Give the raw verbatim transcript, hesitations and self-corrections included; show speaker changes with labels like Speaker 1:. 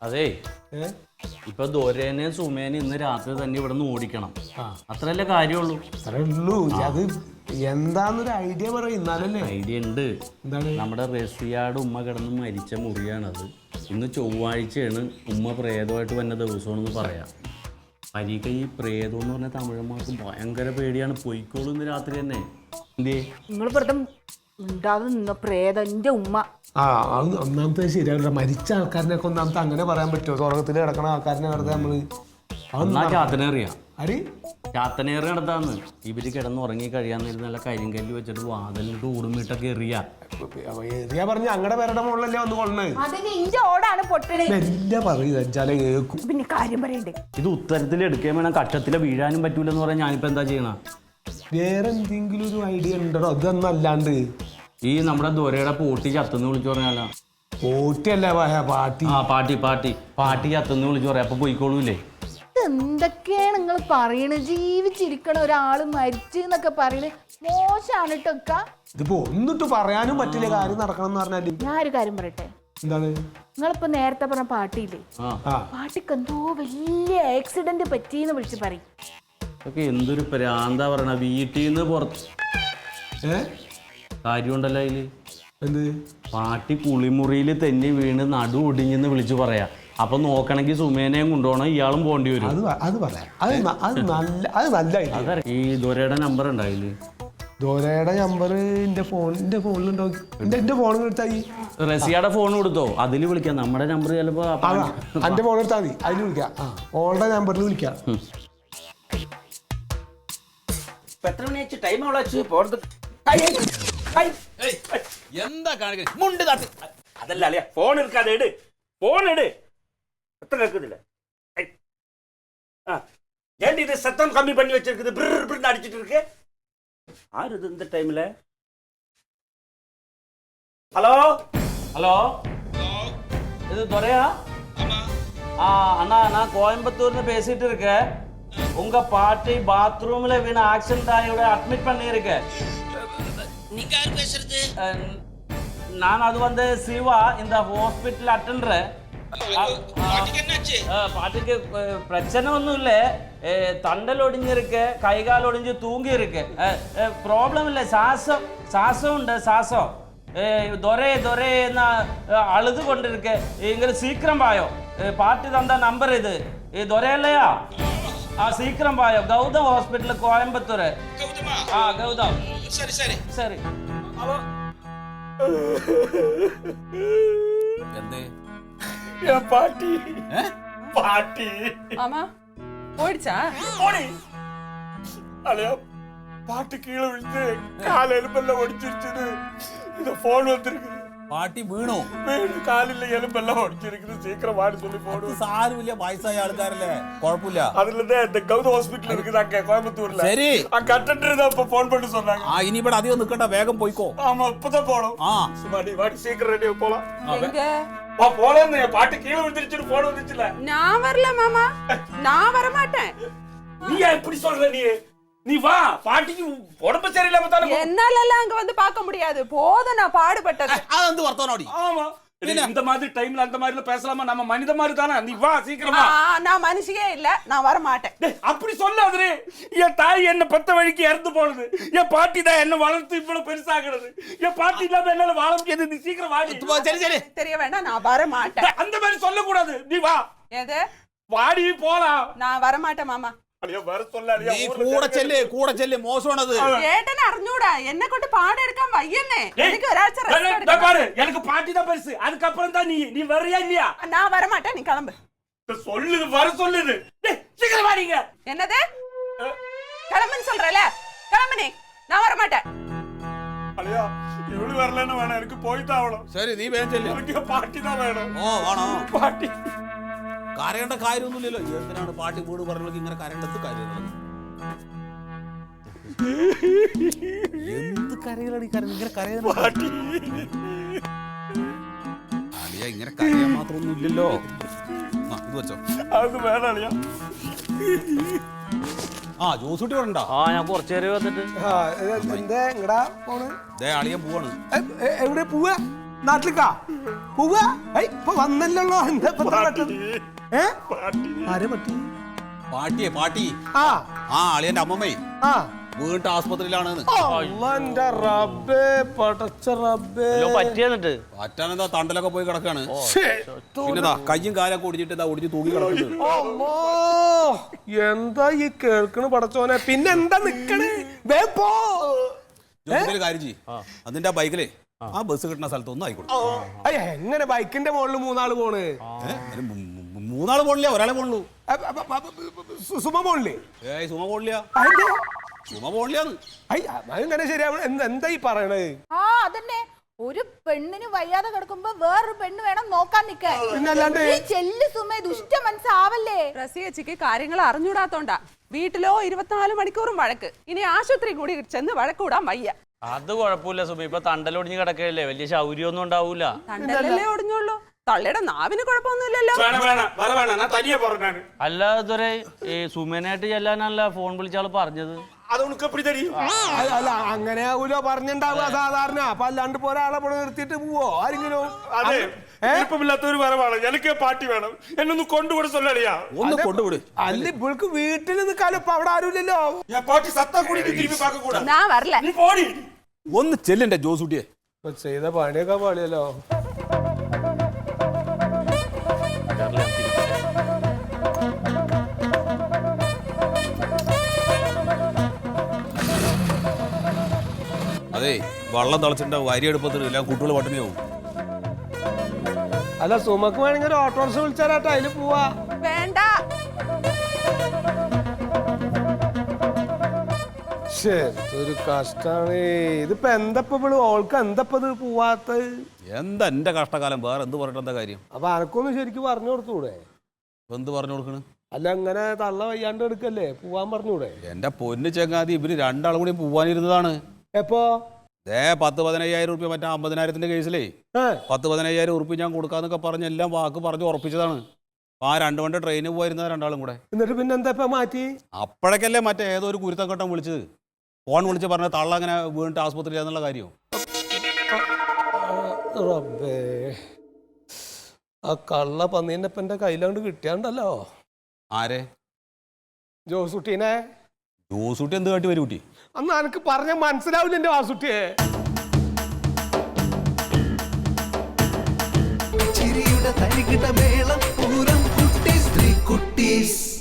Speaker 1: അതെ ഇപ്പൊ ദോരേനെയും സുമേനെയും ഇന്ന് രാത്രി തന്നെ ഇവിടെ നിന്ന് ഓടിക്കണം. അത്രയല്ലേ കാര്യമുള്ളൂ.
Speaker 2: അത്രയുള്ളൂ. അത് എന്താന്നൊരു ഐഡിയ പറയും. എന്നാലല്ലേ
Speaker 1: ഐഡിയ ഉണ്ട്. നമ്മുടെ റസിയാട് ഉമ്മ കിടന്ന് മരിച്ച മുറിയാണത്. ഇന്ന് ചൊവ്വാഴ്ചയാണ്. ഉമ്മ പ്രേതമായിട്ട് വന്ന ദിവസമാണെന്ന് പറയാം. പരീക്ക ഈ പ്രേതം എന്ന് പറഞ്ഞ തമിഴന്മാർക്ക് ഭയങ്കര പേടിയാണ്. പൊയ്ക്കോളൂ ഇന്ന് രാത്രി തന്നെ. എന്തേ
Speaker 3: നിങ്ങൾ വെറുതെ ഉണ്ടാവുന്ന പ്രേതം എന്റെ ഉമ്മ.
Speaker 2: ആ അത് ഒന്നാമത്തെ ശരിയാവില്ല. മരിച്ച ആൾക്കാരിനൊക്കെ ഒന്നാമത്തെ അങ്ങനെ പറയാൻ പറ്റുമോ? സ്വർഗത്തിൽ കിടക്കണ ആൾക്കാരിനെ വെറുതെ നമ്മള്
Speaker 1: ചാത്തനേറിയാ
Speaker 2: അരി
Speaker 1: ചാത്തനേറി നടത്താന്ന്. ഇവര് കിടന്ന് ഉറങ്ങി കഴിയാന്നിരുന്ന നല്ല കരിങ്കല്ല് വെച്ചിട്ട് വാതിലിട്ട് ഊടുമിട്ടൊക്കെ എറിയാ
Speaker 2: എറിയാ പറഞ്ഞ അങ്ങടെ പേരുടെ മുകളിലല്ലേ വന്ന് കൊള്ളണേ.
Speaker 3: ഓടാണ് പൊട്ടണേ.
Speaker 2: എല്ലാം പറയുക കേൾക്കും.
Speaker 3: പിന്നെ കാര്യം പറയണ്ടേ,
Speaker 1: ഇത് ഉത്തരത്തിൽ എടുക്കാൻ വേണം. കക്ഷത്തില് വീഴാനും പറ്റൂലെന്ന് പറയാൻ ഞാനിപ്പോ എന്താ ചെയ്യണ?
Speaker 2: വേറെ എന്തെങ്കിലും ഒരു ഐഡിയ ഉണ്ടോ? അതൊന്നല്ലാണ്ട്
Speaker 1: ഈ നമ്മുടെ ദൊരയുടെ പോട്ടി ചത്തുന്ന് വിളിച്ചു പറഞ്ഞാലോ?
Speaker 2: പോട്ടിയല്ല പാട്ടി.
Speaker 1: ആ പാട്ടി പാട്ടി പാട്ടി ചത്തുന്ന് വിളിച്ചു പറയാം. അപ്പൊ പോയിക്കോളൂല്ലേ?
Speaker 3: എന്തൊക്കെയാണ് നിങ്ങൾ പറയണത്? ജീവിച്ചിരിക്കണ ഒരാള് മരിച്ചു എന്നൊക്കെ പറയണത് മോശമാണ് കേട്ടൊക്കെ.
Speaker 2: ഇതിപ്പോ ഒന്നിട്ട് പറയാനും പറ്റില്ല. കാര്യം നടക്കണം എന്ന് പറഞ്ഞാല്
Speaker 3: ഞാൻ ഒരു കാര്യം പറയട്ടെ.
Speaker 2: എന്താണ്?
Speaker 3: നിങ്ങളിപ്പോ നേരത്തെ പറഞ്ഞ പാട്ടിയില്ലേ, പാട്ടിക്ക് എന്തോ വലിയ ആക്സിഡന്റ് പറ്റിന്ന് വിളിച്ച് പറയും.
Speaker 1: ഒക്കെ എന്തൊരു പ്രാന്താ പറയണ. വീട്ടിൽ നിന്ന് പുറത്ത്
Speaker 2: ഏ
Speaker 1: കാര്യമുണ്ടല്ലോ അതില്.
Speaker 2: എന്ത്?
Speaker 1: പാട്ടി കുളിമുറിയിൽ തെന്നി വീണ് നടു ഒടിഞ്ഞെന്ന് വിളിച്ചു പറയാ. അപ്പൊ നോക്കണമെങ്കിൽ സുമേനയും കൊണ്ടുപോകണം, ഇയാളും പോകേണ്ടി വരും.
Speaker 2: അത് അത് പറയാം. അത് അത് നല്ല അത് നല്ല ഐഡിയ.
Speaker 1: ഈ ദൊരയുടെ നമ്പർ ഉണ്ടായില്ലേ?
Speaker 2: ദോരയുടെ നമ്പർ എന്റെ ഫോണിന്റെ ഫോണിലുണ്ടോ? എന്റെ എന്റെ ഫോണിൽ എടുത്താൽ
Speaker 1: റസിയുടെ ഫോൺ കൊടുത്തോ? അതിൽ വിളിക്കാം. നമ്മുടെ നമ്പർ ചിലപ്പോ
Speaker 2: എന്റെ ഫോൺ എടുത്താൽ മതി. അതിൽ വിളിക്കാം. ഓളുടെ നമ്പറിൽ വിളിക്കാം.
Speaker 4: എന്താ കാണിക്കുന്നത്? അതല്ല അളിയ, ഫോൺ എടുക്കാതെ ഇട്. ഫോൺ ഇട്. എത്ര എടുക്കുന്നില്ല. ஏன்டி இது சத்தம் கம்மி பண்ணி வச்சிருக்குது? பிர் பிர்னு அடிச்சிட்டு இருக்கு. ஆறு இது இந்த டைம்ல? ஹலோ
Speaker 1: ஹலோ, இது துரையா? ஆ அண்ணா, நான் கோயம்புத்தூர்னு பேசிட்டு இருக்கேன். உங்க பாட்டி பாத்ரூம்ல வீண ஆக்சிடென்ட் ஆகியோட அட்மிட் பண்ணியிருக்கேன்.
Speaker 5: நீங்க யார் பேசுறது?
Speaker 1: நான் அது வந்து சிவா, இந்த ஹாஸ்பிட்டல் அட்டெண்டர்.
Speaker 5: பாட்டிக்கு என்னாச்சு?
Speaker 1: பாட்டிக்கு பிரச்சனை ஒன்றும் இல்லை. தண்டல் ஒடிஞ்சிருக்கு, கை கால் ஒடிஞ்சு தூங்கி இருக்கு. ப்ராப்ளம் இல்லை. சாசம் சாசம் உண்டு. சாசம் ദൊരേ ദൊരേ എന്ന അഴുതു കൊണ്ടിരിക്കെ. ഇങ്ങനെ സീക്രം പായോ. പാട്ടി തന്ന നമ്പർ ഇത്. ഈ ദൊരയല്ലയാ? ആ സീക്രം പായോ. ഗൗതം ഹോസ്പിറ്റൽ കോയമ്പത്തൂര്. ആ ഗൗതം.
Speaker 5: சரி சரி
Speaker 1: சரி.
Speaker 4: എന്തേ பாட்டி பாட்டி
Speaker 6: ஆமா போயிடுச்சா?
Speaker 4: போடி அலையா. பாட்டு கீழே விழுந்து கால எலும்பெல்லாம் ஒடிச்சிருச்சுது. இந்த போன் வந்திருக்குது.
Speaker 7: പാട്ടി വീണു.
Speaker 4: വീണ് കാലിലെ എലുമ്പെല്ലാം ഒടിച്ചിരിക്കുന്നത്. സീക്കിരം വാടി சொல்லி போடு.
Speaker 7: സാരമില്ല, വയസ്സായ ആൾക്കാരല്ലേ, കുഴപ്പമില്ല.
Speaker 4: அதுல இந்த கௌதம் ஹாஸ்பிடல் இருக்குது அங்க கோயம்புத்தூர்ல.
Speaker 7: சரி,
Speaker 4: அங்க அட்டெண்டர் தான் இப்ப போன் பண்ணி சொன்னாங்க.
Speaker 7: ആ ഇനി ഇവിടെ അധികം നിൽക്കണ്ട, വേഗം പോയിക്കോ.
Speaker 4: ஆமா இப்பதான் போனோம்.
Speaker 7: ആ
Speaker 4: சுமாடி வாடி சீக்கிரம் ரெடி போலாம்.
Speaker 6: எங்க?
Speaker 4: வா போலாம். பாட்டு கீழே விழுந்துருச்சுன்னு போன் வந்துச்சுல.
Speaker 6: நான் வரல மாமா, நான் வர மாட்டேன்.
Speaker 4: நீ ஏன் இப்படி சொல்ற? நீ நீ வா. பாட்டிக்கு உடம்பு சரியில்லாம தானே.
Speaker 6: என்னால எல்லாம் அங்க வந்து பார்க்க முடியாது. போதும் நான் பாடுபட்டது.
Speaker 7: അതെന്ത് വർത്തമാനോടി?
Speaker 4: ஆமா, இந்த மாதிரி டைம்ல அந்த மாதிரி பேசலாமா? நம்ம மனித மாதிரி தானே. நீ வா சீக்கிரமா.
Speaker 6: நான் மனுஷியே இல்ல, நான் வர மாட்டேன்.
Speaker 4: அப்படி சொல்லாதே. என் தாய் என்ன பத்த வழிக்கு இறந்து போனது. என் பாட்டி தான் என்ன வளர்த்து இவ்வளவு பெருசாகிறது. என் பாட்டி இல்லாம என்னால வாழ முடியாது. நீ சீக்கிரம் வாடி.
Speaker 7: சரி சரி,
Speaker 6: தெரிய வேண்டாம், நான் வர மாட்டேன்.
Speaker 4: அந்த மாதிரி சொல்லக்கூடாது. நீ வா.
Speaker 6: எது?
Speaker 4: வாடி போலாம்.
Speaker 6: நான் வர மாட்டேன் மாமா.
Speaker 4: வர சொல்லாதியா.
Speaker 7: നീ കൂടെ ചെല്ല്, കൂടെ ചെല്ല്. മോശമാണത്.
Speaker 6: ഏട്ടനെ അറിഞ്ഞൂടാ, എന്നെ കൊണ്ട് പാടെടുക്കാൻ വയ്യന്നേ. എനിക്ക് ഒരാഴ്ച റെസ്റ്റ് എടുക്കണം.
Speaker 4: பாரு, எனக்கு பாட்டி தான் பெருசு. அதுக்கு அப்புறம் தான் நீ. நீ வரியா இல்லையா?
Speaker 6: நான் வர மாட்டேன், நீ கிளம்பு.
Speaker 4: சொல்லுது, வர சொல்லுது. டேய் சீக்கிரம் வாடிங்க.
Speaker 6: என்னது? கிளம்புன்னு சொல்றல, கிளம்பு நீ. நான் வர மாட்டேன்.
Speaker 4: അളിയാ, ഇവള് വരലെന്ന് വേണം. എനിക്ക് പോയിട്ടാ അവളോ.
Speaker 7: ശരി, നീ വേഗം ചെല്ല്.
Speaker 4: എനിക്ക് പാട്ടി தான் വേണം.
Speaker 7: ഓ വേണോ?
Speaker 4: പാട്ടി.
Speaker 7: കരയേണ്ട കാര്യമൊന്നുമില്ലല്ലോ. എന്തിനാണ് പാട്ടി വീട് പറഞ്ഞെങ്കിൽ ഇങ്ങനെ കരയേണ്ടത് കാര്യമുള്ളത്? എന്ത് കരയിലാണ് കര ഇങ്ങനെ കരയുന്നത്? അളിയ ഇങ്ങനെ കരയാൻ മാത്രമൊന്നും ഇല്ലല്ലോ. ഇത് വെച്ചോ.
Speaker 4: അത് വേണം അളിയാ.
Speaker 7: ആ ജോസൂട്ടി പറഞ്ഞ.
Speaker 1: ആ ഞാൻ കുറച്ചു നേരം വന്നിട്ട്.
Speaker 2: എന്താ എങ്ങടാ പോണ്?
Speaker 7: ദേ അളിയൻ പോവാണ്.
Speaker 2: എവിടെ പോവാ? നാട്ടിലേക്കാ പോവുക? ഏയ്, ഇപ്പൊ വന്നല്ലോ. എന്താ ഇപ്പൊ ഇത്ര പെട്ടെന്ന്? ഏ? ആരെ പട്ടി?
Speaker 7: പാട്ടിയെ പാട്ടി
Speaker 2: ആ
Speaker 7: ആ അളിയന്റെ അമ്മമ്മേ
Speaker 2: ആ
Speaker 7: വീട്ട് ആസ്പത്രിയിലാണ്
Speaker 2: അള്ളാ, എൻ്റെ റബ്ബേ, പടച്ച റബ്ബേ.
Speaker 1: പറ്റിയെന്നിട്ട്
Speaker 7: പറ്റാനെന്താ തണ്ടലൊക്കെ പോയി കിടക്കാണ്
Speaker 2: ശ്ശേ.
Speaker 7: പിന്നെതാ കയ്യും കാലൊക്കെ ഒടിഞ്ഞിട്ട് ഇതാ ഒടിഞ്ഞ് തൂങ്ങി കിടക്കുന്നത്
Speaker 2: അമ്മോ, എന്താ ഈ കേൾക്കണ് പടച്ചോനെ? പിന്നെ എന്താ നിക്കണ്? വേഗം പോ.
Speaker 7: ജോസിന്റെ കാര്യം ചെയ്യ് അതിന്റെ ആ ബൈക്കിലെ ആ ബസ് കിട്ടുന്ന സ്ഥലത്ത് ഒന്നും ആയിക്കോട്ടെ
Speaker 2: അയ്യ, എങ്ങനെ ബൈക്കിന്റെ മുകളിൽ മൂന്നാള് പോണ്?
Speaker 7: ഏ? അതിന് മൂ- മൂ- മൂന്നാള് പോണില്ല ഒരാളെ പോണുള്ളൂ
Speaker 2: അ- അ- അ- അ- സു- സുമ പോണില്ലേ?
Speaker 7: ഏയ് സുമ പോണില്ല
Speaker 2: അതിന്റെ
Speaker 7: സുമ പോണില്ലാന്ന്
Speaker 2: അയ്യ, അതെങ്ങനെ ശരിയാവണം? എന്ത് എന്താ ഈ പറയണത്?
Speaker 3: ആ അതന്നെ, ഒരു പെണ്ണിന് വയ്യാതെ കിടക്കുമ്പോ വേറൊരു പെണ്ണ് വേണം നോക്കാൻ നിക്കാൻ.
Speaker 2: പിന്നല്ലാണ്ട്
Speaker 3: ഈ ചെല്ലു സുമേ ദുഷ്ട മനസ്സാവല്ലേ?
Speaker 6: റസിയച്ചിക്ക് കാര്യങ്ങൾ അറിഞ്ഞൂടാത്തോണ്ടാ വീട്ടിലോ ഇരുപത്തിനാല് മണിക്കൂറും വഴക്ക്. ഇനി ആശുപത്രി കൂടി ചെന്ന് വഴക്കൂടാൻ വയ്യ.
Speaker 1: അത് കുഴപ്പമില്ല സുമി, ഇപ്പൊ തണ്ടലൊടിഞ്ഞ് കിടക്കല്ലേ, വലിയ ശൗര്യമൊന്നും ഉണ്ടാവൂല.
Speaker 6: തണ്ടല്ലേ ഒടിഞ്ഞുള്ളൂ, തള്ളയുടെ നാവിന് കുഴപ്പമൊന്നുമില്ലല്ലോ.
Speaker 4: വേണം വേണം വര വേണം ഞാൻ തനിയെ പറഞ്ഞാണ്
Speaker 1: അല്ല ഇതുവരെ ഈ സുമേനായിട്ട് ചെല്ലാനല്ല ഫോൺ വിളിച്ചാൾ പറഞ്ഞത്.
Speaker 4: അത് ഉനക്ക് എപ്പടി തരും
Speaker 2: അല്ല അല്ല, അങ്ങനെ ആവൂലോ പറഞ്ഞിണ്ടാവുക സാധാരണ. അപ്പൊ അല്ലാണ്ട് ഇപ്പൊ ഒരാളെ ഇവിടെ നിർത്തിയിട്ട് പോവോ ആരെങ്കിലും?
Speaker 4: അതെ വിരുപ്പമില്ലാത്തൊരു വരവാണ് എനിക്ക് പാർട്ടി വേണം എന്നൊന്ന് കൊണ്ടുകൂടെ സൊല്ലടിയാ
Speaker 7: ഒന്ന് കൊണ്ടുവിട്
Speaker 2: അല്ല, ഇവൾക്ക് വീട്ടിൽ നിൽക്കാലോ, ഇപ്പൊ അവിടെ ആരുമില്ലല്ലോ.
Speaker 4: ഞാൻ പാർട്ടി സത്താ കൂടി തിരുമ്പി പാക്ക കൂടാ
Speaker 6: ഞാൻ വരല.
Speaker 4: നീ പോടി
Speaker 7: ഒന്ന് ചെല്ലിന്റെ ജോസൂട്ടിയെ
Speaker 2: ഇപ്പൊ ചെയ്ത പണിയൊക്കെ പാടിയല്ലോ.
Speaker 7: അതെ വെള്ളം തിളച്ചിട്ടുണ്ടാവും അരി എടുപ്പത്തിന് എല്ലാം കുട്ടികൾ പട്ടിണിയാവും
Speaker 2: അല്ല, സുമക്ക് വേണമെങ്കിൽ ഒരു ഓട്ടോറിക്ഷ വിളിച്ചാലാട്ടോ, അതില് പോവാ.
Speaker 6: വേണ്ട.
Speaker 2: ഒരു കഷ്ടാണ് ഇതിപ്പോ. എന്തപ്പോ ഇവള് ഓൾക്ക് എന്തപ്പോ ഇത് പോവാത്തത്?
Speaker 7: എന്താ എന്റെ കഷ്ടകാലം വേറെ എന്ത് പറഞ്ഞിട്ട് എന്താ കാര്യം
Speaker 2: അപ്പൊ അനക്കൊന്നും ശരിക്കും പറഞ്ഞു കൊടുത്തൂടെ?
Speaker 7: എന്ത് പറഞ്ഞു കൊടുക്കണ്
Speaker 2: അല്ല, അങ്ങനെ തള്ള വയ്യാണ്ട് എടുക്കല്ലേ, പോവാൻ പറഞ്ഞൂടെ?
Speaker 7: എന്റെ പൊന്ന് ചെങ്ങാതി ഇവര് രണ്ടാളും കൂടി പോവാനിരുന്നതാണ്.
Speaker 2: എപ്പോ?
Speaker 7: ഏ പത്ത് പതിനയ്യായിരം റുപ്യ മറ്റേ അമ്പതിനായിരത്തിന്റെ കേസിലേ പത്ത് പതിനയ്യായിരം ഉറുപ്പ്യ ഞാൻ കൊടുക്കാന്നൊക്കെ പറഞ്ഞ് എല്ലാം വാക്ക് പറഞ്ഞ് ഉറപ്പിച്ചതാണ്. ആ രണ്ടു മണി ട്രെയിനിൽ പോയിരുന്ന രണ്ടാളും കൂടെ.
Speaker 2: എന്നിട്ട് പിന്നെ എന്താ ഇപ്പൊ മാറ്റി?
Speaker 7: അപ്പോഴേക്കല്ലേ മറ്റേ ഏതോ ഒരു കുരുത്തക്കട്ടം വിളിച്ചത്, ഫോൺ വിളിച്ച് പറഞ്ഞ തള്ള അങ്ങനെ വീണിട്ട് ആസ്പത്രിയിൽ എന്നുള്ള കാര്യം.
Speaker 2: റബ്ബേ, ആ കള്ള പന്നീന്റെ ഇപ്പൊ എന്റെ കയ്യിലാണ്ട് കിട്ടിയാണ്ടല്ലോ.
Speaker 7: ആരെ?
Speaker 2: ജോസുട്ടീനെ.
Speaker 7: ജോസൂട്ടി എന്ത് കാട്ടി വരും കുട്ടി?
Speaker 2: അന്ന് എനിക്ക് പറഞ്ഞ മനസ്സിലാവില്ല എന്റെ വാസുട്ടിയെ.
Speaker 8: ചിരിയുടെ തരികിട മേളം പൂരം കുട്ടീസ് ത്രീ കുട്ടീസ്.